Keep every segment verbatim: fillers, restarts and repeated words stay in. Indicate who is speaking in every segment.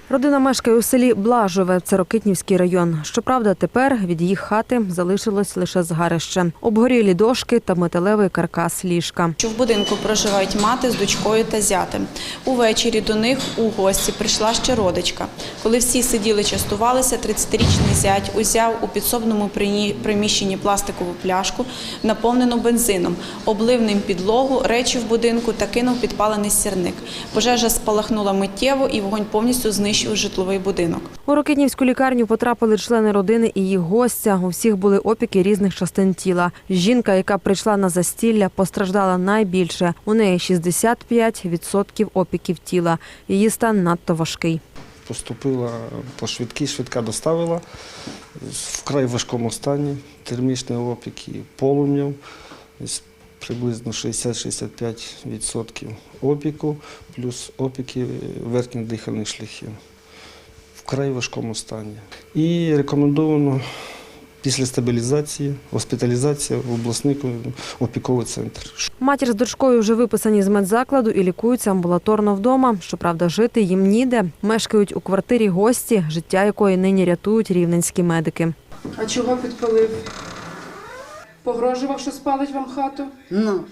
Speaker 1: Родина мешкає у селі Блажове, це Рокитнівський район. Щоправда, тепер від їх хати залишилось лише згарище. Обгорілі дошки та металевий каркас ліжка.
Speaker 2: В будинку проживають мати з дочкою та зятем. Увечері до них у гості прийшла ще родичка. Коли всі сиділи частувалися, тридцятирічний зять узяв у підсобному приміщенні пластикову пляшку, наповнену бензином, облив ним підлогу, речі в будинку та кинув підпалений сірник. Пожежа спалахнула миттєво і вогонь повністю знищив житловий будинок.
Speaker 1: У Рокитнівську лікарню потрапили члени родини і їх гостя. У всіх були опіки різних частин тіла. Жінка, яка прийшла на застілля, постраждала найбільше. У неї шістдесят п'ять відсотків опіків тіла. Її стан надто важкий.
Speaker 3: Поступила по швидкій, швидка доставила в вкрай важкому стані, термічні опіки полум'ям, приблизно шістдесят-шістдесят п'ять відсотків опіку, плюс опіки верхніх дихальних шляхів. Вкрай важкому стані. І рекомендовано після стабілізації, госпіталізація в обласний опіковий центр.
Speaker 1: Матір з дочкою вже виписані з медзакладу і лікуються амбулаторно вдома. Щоправда, жити їм ніде. Мешкають у квартирі гості, життя якої нині рятують рівненські медики.
Speaker 4: А чого підпалив? Погрожував, що спалить вам хату?
Speaker 5: Ну,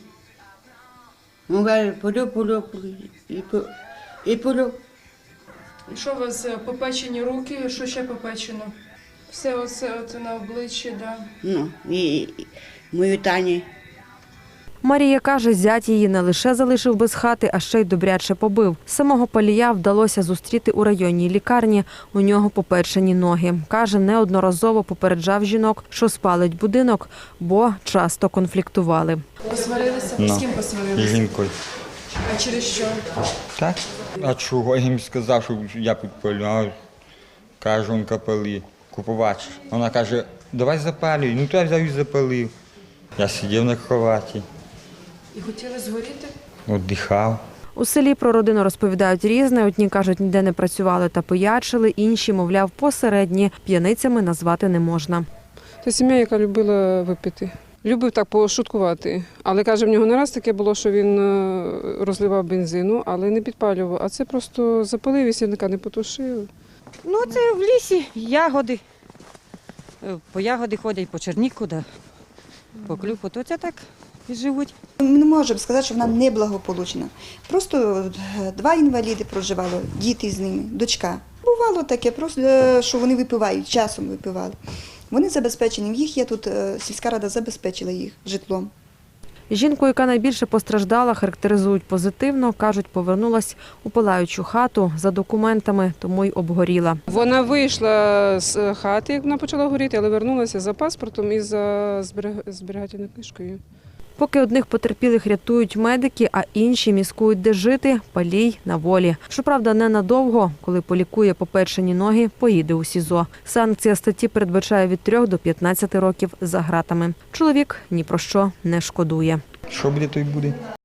Speaker 5: ну, полю, полю, і полю, і полю.
Speaker 4: І що у вас попечені руки, що ще попечено? Все оце от на обличчі, да.
Speaker 5: Ну, і, і мою Тані.
Speaker 1: Марія каже, зять її не лише залишив без хати, а ще й добряче побив. Самого Палія вдалося зустріти у районній лікарні. У нього попечені ноги. Каже, неодноразово попереджав жінок, що спалить будинок, бо часто конфліктували.
Speaker 4: Посварилися?
Speaker 6: No.
Speaker 4: З ким посварилися?
Speaker 6: З жінкою.
Speaker 4: А через що?
Speaker 6: Так? А чого? Я їм сказав, що я підпалю. Кажу, он капали, купувач. Вона каже, давай запалюй. Ну, то я взяв і запалив. Я сидів на кроваті,
Speaker 4: І хотіли згоріти?
Speaker 6: віддихав.
Speaker 1: У селі про родину розповідають різне. Одні кажуть, ніде не працювали та пиячили, інші, мовляв, посередні. П'яницями назвати не можна.
Speaker 4: Це сім'я, яка любила випити. Любив так пошуткувати. Але, каже, в нього не раз таке було, що він розливав бензину, але не підпалював. А це просто запалив і сірника не потушив.
Speaker 7: Ну, це в лісі ягоди. По ягоди ходять, по черніку, да. По клюку, то це так і живуть.
Speaker 8: Ми не можемо сказати, що вона неблагополучна. Просто два інваліди проживало, діти з ними, дочка. Бувало таке, просто що вони випивають, часом випивали. Вони забезпечені, в їх є тут, сільська рада забезпечила їх житлом.
Speaker 1: Жінку, яка найбільше постраждала, характеризують позитивно. Кажуть, повернулась у палаючу хату за документами, тому й обгоріла.
Speaker 4: Вона вийшла з хати, як вона почала горіти, але вернулася за паспортом і за зберігательною книжкою.
Speaker 1: Поки одних потерпілих рятують медики, а інші міскують, де жити, Палій на волі. Щоправда, ненадовго. Коли полікує попечені ноги, поїде у СІЗО. Санкція статті передбачає від трьох до п'ятнадцяти років за ґратами. Чоловік ні про що не шкодує.
Speaker 6: Що буде, то й буде.